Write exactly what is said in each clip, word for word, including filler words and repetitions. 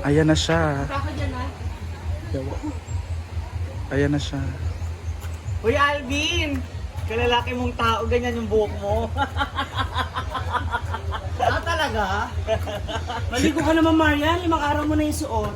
Ayan na siya. Saka dyan ah. Ayan na siya. Uy Alvin! Kalalaki mong tao, ganyan yung buhok mo. Ah, talaga? Maligo ka naman, Marian. Limang araw mo na yung suot.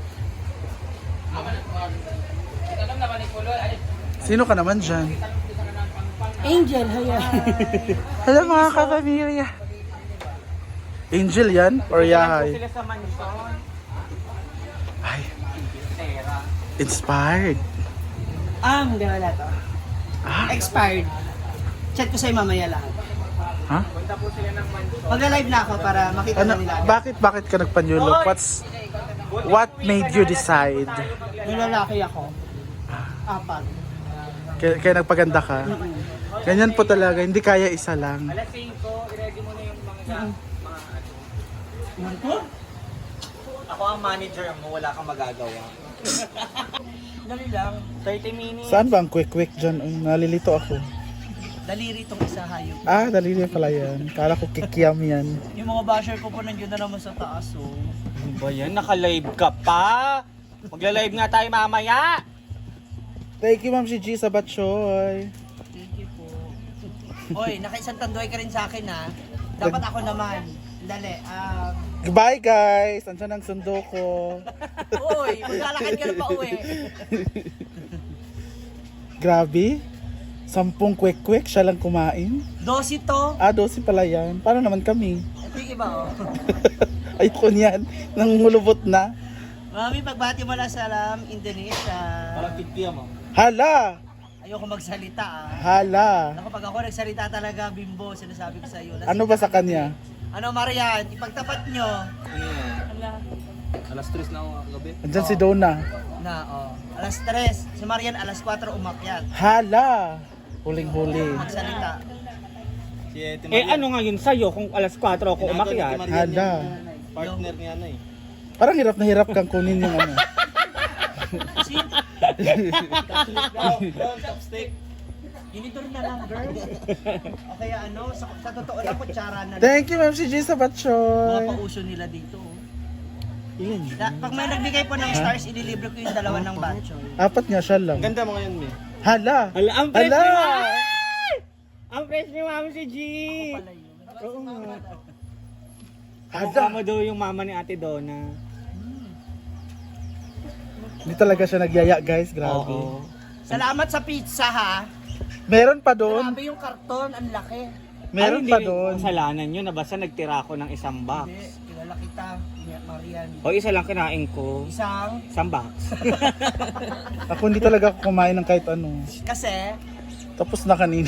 Sino ka naman dyan? Angel, haya. Hello mga kapamilya. Angel yan? Or Yahay? Sila sa mansion. Ay, inspired. Ah, hindi wala to. Ah, Expired. Chat ko sa'yo mamaya lahat. ha? Mag-live na ako para makita Ano, na nila. agad. bakit, bakit ka nagpa-new look? What's, what made you decide? Yung lalaki ako. Apat. Kaya, kaya nagpaganda ka? Ganyan po talaga, hindi kaya isa lang. Alas singko, i-ready mo na yung mga mga ano. Ako ang manager mo, wala kang magagawa. Dali lang, thirty minutes. Saan ba ang quick-quick dyan? Ay, nalilito ako. Daliri itong isa hayop. Ah, dalili pala yan. Kala ko kikiam yan. Yung mga basher ko po nandiyan na naman sa taas oh. Ano ba yan? Naka-live ka pa? Magla-live nga tayo mamaya. Thank you, Ma'am si G sa batchoy. Thank you po. Oy, nakaisang tanduay ka rin sa akin ha. Dapat ako naman. Dali, um... Goodbye, guys! Andiyan ang sundo ko. Uy, maglalakad ka na pa uwi. Grabe. Sampung quick-quick, siya lang kumain. Dosi to. Ah, dosi pala yan. Paano naman kami? Ito yung iba oh. Ayoko niyan. Nangulubot na. Mami, pagbati mo lang salam, Indonesia. Parang pigpiya mo. Hala! Ayoko magsalita ah. Hala! Ako pag ako nagsalita talaga, bimbo, sinasabi ko sa iyo. Ano ba sa kanya? Ano, Marian, ipagtapat nyo. Ala. Alas tres na ako kagabi. Andyan si Donna. Na, oh. Alas tres. Si Marian, alas kwatro umakyat. Hala! Huling-huli. Magsalita. Si Ate Eh ano ngayon sa'yo kung alas kwatro ako umakyat? Hala. Partner niya na eh. Parang hirap na hirap kang kunin yung ano. Kasi, Chopstick. ginidor na lang, girl. O kaya ano, sa, sa totoo lang, kutsara na lang. Thank you, Ma'am si G sa Mga batchoy. pauso nila dito. oh. Ilan? Da, pag may nagbigay po ng stars, ililibre ko yung dalawa ng batcho. Apat nga siya lang. Ganda mo ngayon, Mi. Hala! Hala, ang fresh Hala! ni Mami! Ang fresh ni Mami si G! Pala yun. Oo nga. Hala! Mukha mo daw yung mama ni Ate Donna. Hindi talaga siya nagyaya, guys. Grabe. Oo. Salamat sa pizza ha. Meron pa doon. Grabe yung karton, ang laki. Meron Ay, pa hindi, doon. Kasalanan yun na basta nagtira ako ng isang box. Hindi, kilala kita, Marian. O isa lang kinain ko. Isang, Isang box. Ako hindi talaga ako kumain ng kahit ano. kasi, Tapos na kanina.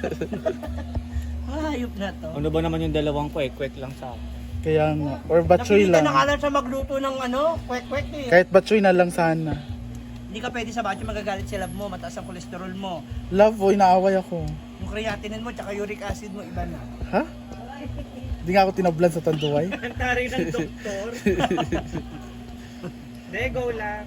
hayop na to. Ano ba naman yung dalawang kwek-kwek lang sa akin? Kaya nga. Or batchoy Napilitan lang. na nga lang siya magluto ng ano, kwek-kwek eh. Kahit batchoy na lang sana. Hindi ka pwede sa batcho, magagalit si love mo, mataas ang kolesterol mo. Love, boy, naaway ako. Yung creatinine mo, tsaka uric acid mo, iba na. Ha? Hindi nga ako tinablan sa tanduay. Ang taray ng doktor. De, go lang.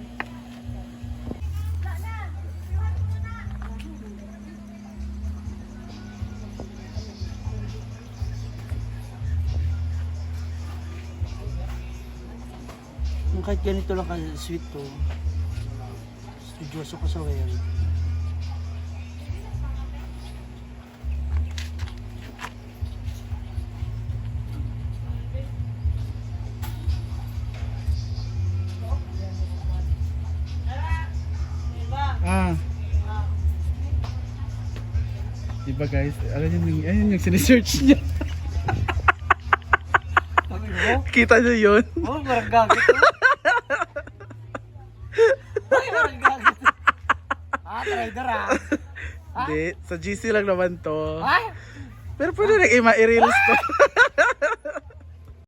Yung kahit ganito lang ka sweet to, studyoso ko sa well. Ah. Diba guys, alam niyo yung, ayun yung sinesearch niya. Sabi mo? Kita niyo yun? Oh, parang gagit to. Ay, parang gagit. Ah, trader ah. Hindi, sa G C lang naman to. Ay! Pero pwede rin i-reels to.